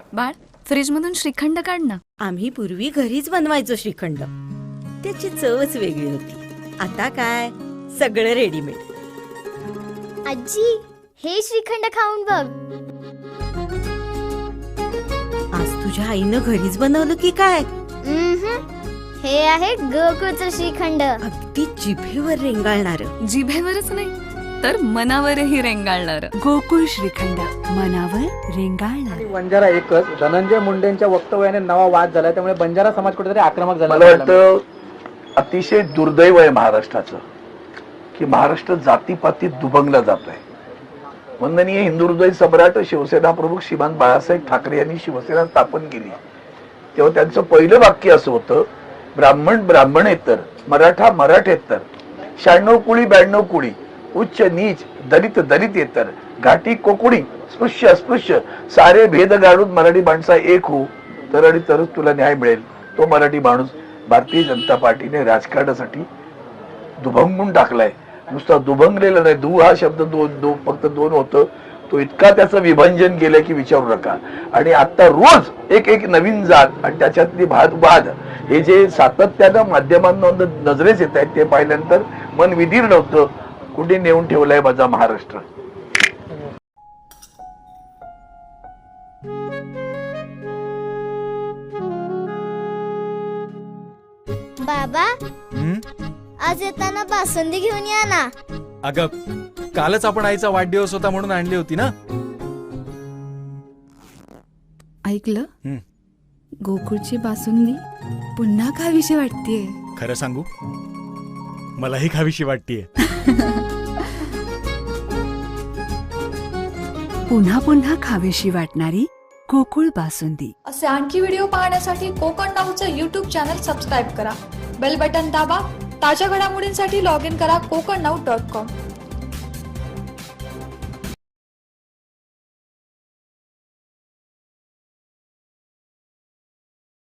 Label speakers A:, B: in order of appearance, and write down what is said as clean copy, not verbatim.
A: बाळ, फ्रीज मधून श्रीखंड काढ ना.
B: आम्ही पूर्वी घरीच बनवायचो श्रीखंड. त्याची चवच वेगळी होती. आता काय सगळं रेडीमेड.
C: आजी, हे श्रीखंड खाऊन बघ.
B: आज तुझ्या आईनं घरीच बनवलं की काय?
C: हे आहे गोकुळचं श्रीखंड.
B: अगदी जिभेवर रेंगाळणार.
A: जिभेवरच नाही तर मनावरही रेंगाळणार.
D: गोकुळ श्रीखंड, मनावर रेंगाळणार.
E: बंजारा एकच. धनंजय मुंडेंच्या वक्तव्याने नवा वाद झाला, त्यामुळे बंजारा समाज कुठेतरी आक्रमक झाला.
F: मला वाटतं अतिशय दुर्दैव आहे महाराष्ट्राचं की महाराष्ट्र जातीपातीत दुभंगला जातोय. वंदनीय हिंदू हृदय सम्राट शिवसेना प्रमुख श्रीमान बाळासाहेब ठाकरे यांनी शिवसेना स्थापन केली तेव्हा त्यांचं पहिलं वाक्य असं होतं, ब्राह्मण ब्राह्मणेतर, मराठा मराठेतर, 96 कुळी 92 कुळी, उच्च नीच दलित दलितेतर, घाटी कोकणी स्पृश्य अस्पृश्य, सारे भेद गाडून मराठी माणसा एक हो तर आणि तरच तुला न्याय मिळेल. तो मराठी माणूस भारतीय जनता पार्टीने राजकारणासाठी दुभंगून टाकलाय. नुसता दुभंगलेला नाही, दु हा शब्द फक्त दोन होतं. तो इतका त्याचं विभंजन केलंय की विचारू नका. आणि आता रोज एक नवीन जात आणि त्याच्यातली वाद हे जे सातत्यानं माध्यमांना नजरेस येत आहेत ते पाहिल्यानंतर मन विधीर नव्हतं. कुठे नेऊन ठेवलाय माझा महाराष्ट्र.
C: बाबा, आज येताना बासुंदी घेऊन या ना.
G: अगं, कालच आपण आईचा वाढदिवस होता म्हणून आणली होती ना.
D: ऐकलं? गोकुळची बासुंदी पुन्हा खावीशी वाटतेय.
G: खरं सांगू, मलाही खावीशी वाटतेय.
D: पुन्हा पुन्हा खावीशी वाटणारी गोकुळ बासुंदी.
H: असे आणखी व्हिडिओ पाहण्यासाठी कोकण नाऊचं YouTube चॅनल सबस्क्राईब करा. बेल बटन दाबा. ताज्या घडामोडींसाठी लॉग इन करा kokarnau.com.